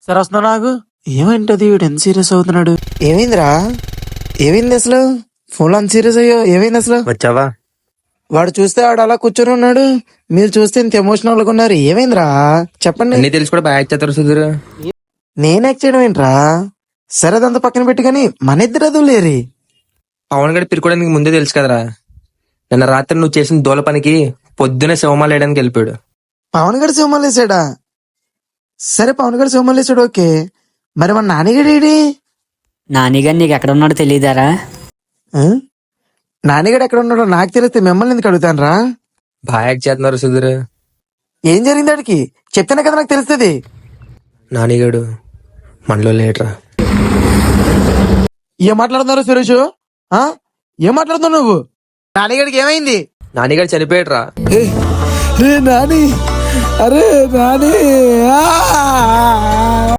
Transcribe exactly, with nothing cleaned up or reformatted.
సరే వస్తున్నా నాకు. ఏమైంటది వీడు ఎంత సీరియస్ అవుతున్నాడు? ఏమైందిరా? ఏమైంది అసలు? ఫోన్ లో అంత సీరియస్ అయ్యో, ఏమైంది అసలు? వచ్చావా? వాడు చూస్తే వాడు అలా కూర్చొని ఉన్నాడు, మీరు చూస్తే ఇంత ఎమోషనల్ గా ఉన్నారు. ఏమైందిరా చెప్పండి. అన్ని తెలిసి కూడా బాగా చేస్తారు సుధీర్. నేను యాక్ట్ చేయడం ఏంట్రా? సరే అదంతా పక్కన పెట్టి కానీ మన ఇద్దరు అదువు లేరి. పవన్ గడి పిరుకోవడానికి ముందే తెలుసు కదరా. నిన్న రాత్రి నువ్వు చేసిన దోల పనికి పొద్దునే శివమాల వేయడానికి వెళ్ళిపోయాడు. పవన్ గడి సింహాలు వేసాడా? సరే పవన్ గడి సింహాలు వేసాడు, ఓకే. మరి మన నానిగడేడి? నానిగారు నీకు ఎక్కడ ఉన్నాడో తెలియదారా? నానిగడు ఎక్కడ ఉన్నాడో నాకు తెలిస్తే మిమ్మల్ని ఎందుకు అడుగుతాను రా? బాగా యాక్ట్ చేస్తున్నారు సుధీర్. ఏం జరిగింది వాడికి చెప్తేనే కదా నాకు తెలుస్తుంది. నానిగాడు మనలో లేట్రా. ఏం మాట్లాడుతున్నారు సురేష్? ఆ? ఏం మాట్లాడుతున్నావు నువ్వు? నానిగడికి ఏమైంది? నానిగాడు చనిపోయాడురా. నాని, అరే నాని.